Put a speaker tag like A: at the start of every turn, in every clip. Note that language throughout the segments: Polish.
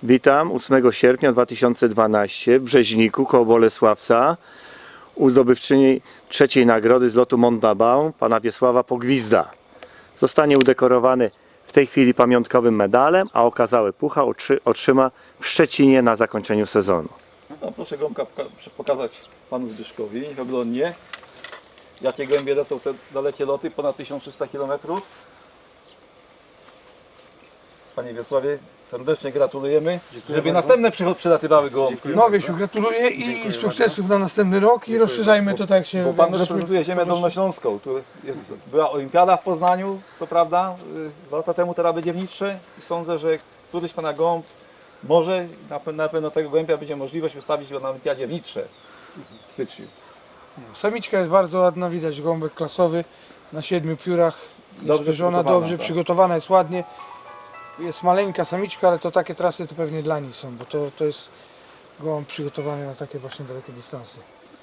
A: Witam 8 sierpnia 2012 w Brzeźniku koło Bolesławca u zdobywczyni trzeciej nagrody z lotu Mont Dabaun, pana Wiesława Pogwizda. Zostanie udekorowany w tej chwili pamiątkowym medalem, a okazały pucha otrzyma w Szczecinie na zakończeniu sezonu.
B: No, proszę gąbka pokazać panu Zbyszkowi oglądnie, jakie gołębie lecą te dalekie loty, ponad 1300 km. Panie Wiesławie, serdecznie gratulujemy.
C: Dziękuję
B: żeby
C: bardzo.
B: następne przylatywały gołąbki.
C: Dziękuję.
D: No Wiesiu, gratuluję i sukcesów na następny rok i rozszerzajmy to tak jak się...
B: Bo pan reprezentuje ziemię dolnośląską. Tu była olimpiada w Poznaniu, co prawda, 2 lata temu, teraz będzie w Nitrze. I sądzę, że któryś pana gołąb może, na pewno tego gołębia będzie możliwość wystawić go na olimpiadzie w Nitrze w styczniu.
D: Samiczka jest bardzo ładna, widać gołąbek klasowy na 7 piórach.
B: Dobrze
D: Dobrze
B: przygotowana,
D: dobrze
B: tak.
D: przygotowana, jest ładnie. Jest maleńka samiczka, ale to takie trasy to pewnie dla niej są, bo to jest gołąb przygotowany na takie właśnie dalekie dystanse.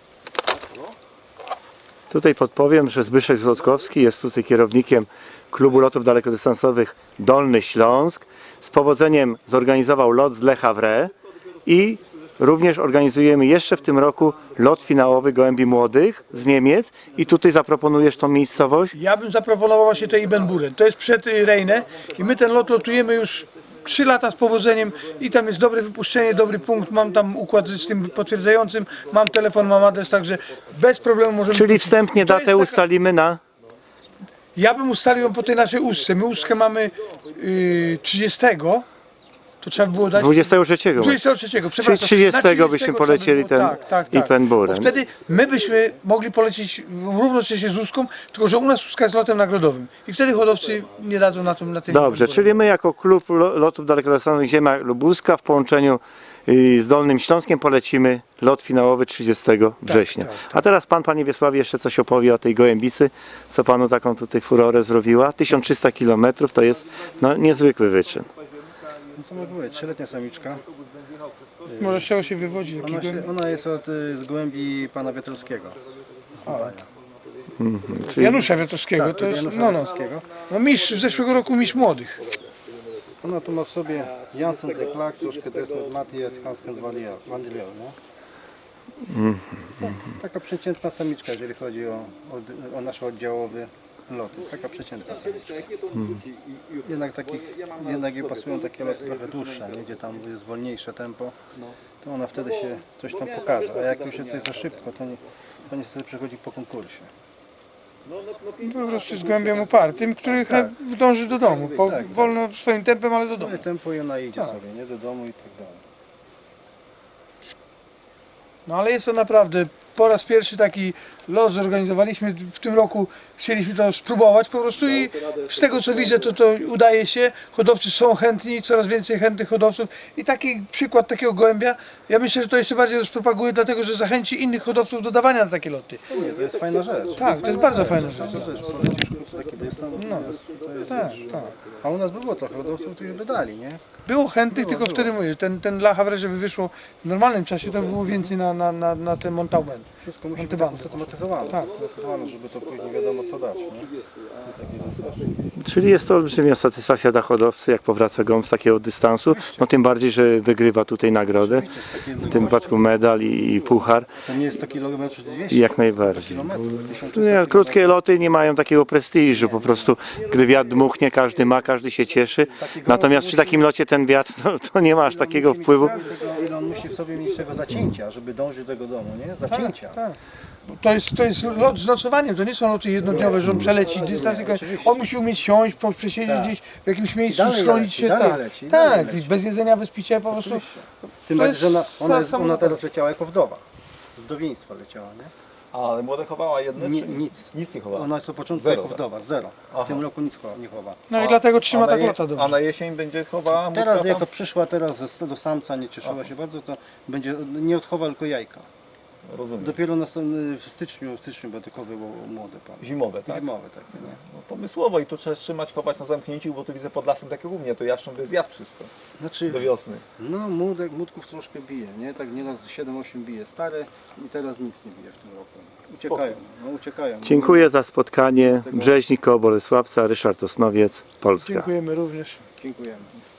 A: Tutaj podpowiem, że Zbyszek Złotkowski jest tutaj kierownikiem klubu lotów dalekodystansowych Dolny Śląsk. Z powodzeniem zorganizował lot z Le Havre i również organizujemy jeszcze w tym roku lot finałowy gołębi młodych z Niemiec. I tutaj zaproponujesz tą miejscowość?
D: Ja bym zaproponował właśnie to Ibbenburen. To jest przed Rejne i my ten lot lotujemy już 3 lata z powodzeniem i tam jest dobre wypuszczenie, dobry punkt, mam tam układ z tym potwierdzającym, mam telefon, mam adres, także bez problemu możemy...
A: Czyli wstępnie
D: To jest
A: datę
D: taka-
A: ustalimy na...
D: Ja bym ustalił ją po tej naszej ustce. My ustkę mamy 30, to trzeba było dać...
A: 23.
D: 23,
A: Czyli
D: przepraszam.
A: 30
D: Na
A: byśmy
D: trzeba
A: polecieli
D: było-
A: ten
D: tak.
A: Ibbenburen.
D: Bo wtedy my byśmy mogli polecieć równocześnie z ustką, tylko że u nas ustka jest lotem nagrodowym. I wtedy hodowcy nie dadzą na tym...
A: Dobrze,
D: Ibbenburen.
A: czyli my jako klub lotów dalekodystansowych Ziemia Lubuska w połączeniu z Dolnym Śląskiem polecimy lot finałowy 30 września.
D: tak.
A: A teraz pan, panie Wiesławie, jeszcze coś opowie o tej gołębicy, co panu taką tutaj furorę zrobiła. 1300 km to jest no, niezwykły wyczyn.
C: No co mogę powiedzieć, 3-letnia samiczka.
D: Może z czego się wywodzi? Jaki
C: Ona jest z gołębi pana Wiatrowskiego. Z Lubania.
A: Czyli
D: Janusza Wiatrowskiego,
C: Tak,
D: to jest
C: Janusza Wiatrowskiego.
D: no mistrz, z zeszłego roku mistrz młodych.
C: Ona tu ma w sobie Janssen de Clark, troszkę Desmond Mathies, Hansken van der Leeuw, no. Taka przeciętna samiczka, jeżeli chodzi o nasz oddziałowy lot. Taka przeciętna samiczka. Jednak jej pasują takie loty trochę dłuższe, nie? Gdzie tam jest wolniejsze tempo, to ona wtedy się coś tam pokaże. A jak już jest coś za szybko, to niestety przechodzi po konkursie.
D: Po prostu z gołębiem upartym, który dąży do domu. Wolno swoim tempem, ale do domu.
C: Swoje tempo i ona idzie
D: Tak.
C: sobie, nie? Do domu i tak dalej.
D: No ale jest to naprawdę po raz pierwszy taki lot zorganizowaliśmy w tym roku, chcieliśmy to spróbować po prostu i z tego co widzę to udaje się, hodowcy są chętni, coraz więcej chętnych hodowców i taki przykład takiego gołębia, ja myślę, że to jeszcze bardziej rozpropaguje, dlatego że zachęci innych hodowców do dawania na takie loty.
C: Nie, to jest fajna rzecz.
D: Tak, to jest bardzo fajna rzecz.
C: To też polecisz krótko taki dystans,
D: No,
C: to jest
D: tak,
C: rzecz.
D: tak.
C: A u nas było trochę hodowców, którzy by dali, nie?
D: Było chętnych,
C: Było.
D: tylko wtedy mówię, ten La Havre, żeby wyszło w normalnym czasie, to było więcej na ten Montauban.
C: Wszystko musi być
D: Montauban.
C: usystematyzowane.
D: Tak.
C: Usystematyzowane, żeby to później wiadomo co dać, nie? I takie zasady.
A: Czyli jest to olbrzymia satysfakcja dla hodowcy, jak powraca gołąb z takiego dystansu, no tym bardziej, że wygrywa tutaj nagrodę, w tym wypadku medal i puchar.
C: To nie jest 100 km 200.
A: I jak najbardziej.
C: 100 kilometrów, 1300
A: Nie, krótkie loty nie mają takiego prestiżu, po prostu gdy wiatr dmuchnie, każdy ma, każdy się cieszy. Natomiast przy takim locie ten wiatr, no, to nie ma aż takiego wpływu.
C: Ile on musi w sobie mieć tego zacięcia, żeby dążyć do tego domu, nie? Zacięcia.
D: Tak. To jest lot z nocowaniem, to nie są loty jednodniowe, że on przeleci dystans, tylko on musi umieć siąść, przesiedzieć
C: Tak.
D: gdzieś w jakimś miejscu,
C: Dalej
D: schronić
C: leci,
D: się,
C: dalej
D: tak,
C: leci,
D: tak,
C: dalej leci.
D: bez jedzenia, bez picia, po prostu.
C: Tym
D: To
C: bardziej,
D: jest
C: że ona
D: sama
C: teraz leciała jako wdowa. Z wdowieństwa leciała, nie?
B: Ale młode chowała jedne?
C: Nie,
B: czy-
C: nic.
B: Nic nie chowała.
C: Ona jest od początku
B: Zero,
C: jako
B: tak?
C: wdowa, zero.
B: Aha.
C: W tym roku nic nie chowa.
D: No i dlatego trzyma
B: na
D: tak
B: je-
D: lota
B: A
D: dobrze.
B: na jesień będzie chowała
C: Teraz
B: muska
C: jako
B: tam?
C: przyszła teraz do samca, nie cieszyła się bardzo, to będzie nie odchowa tylko jajka.
B: Rozumiem.
C: Dopiero w styczniu będę chowywał młode pan.
B: Zimowe, tak?
C: Zimowe takie, nie?
B: No, pomysłowo i tu trzeba trzymać, chować na zamknięciu, bo tu widzę pod lasem tak jak u mnie, to jaszcząb by zjadł wszystko
C: Znaczy,
B: do wiosny.
C: no młodków troszkę bije, nie? Tak nieraz 7-8 bije stare i teraz nic nie bije w tym roku. Uciekają, no uciekają.
A: Dziękuję za spotkanie. Brzeźnik koło Bolesławca, Ryszard Osnowiec, Polska.
D: Dziękujemy również.
C: Dziękujemy.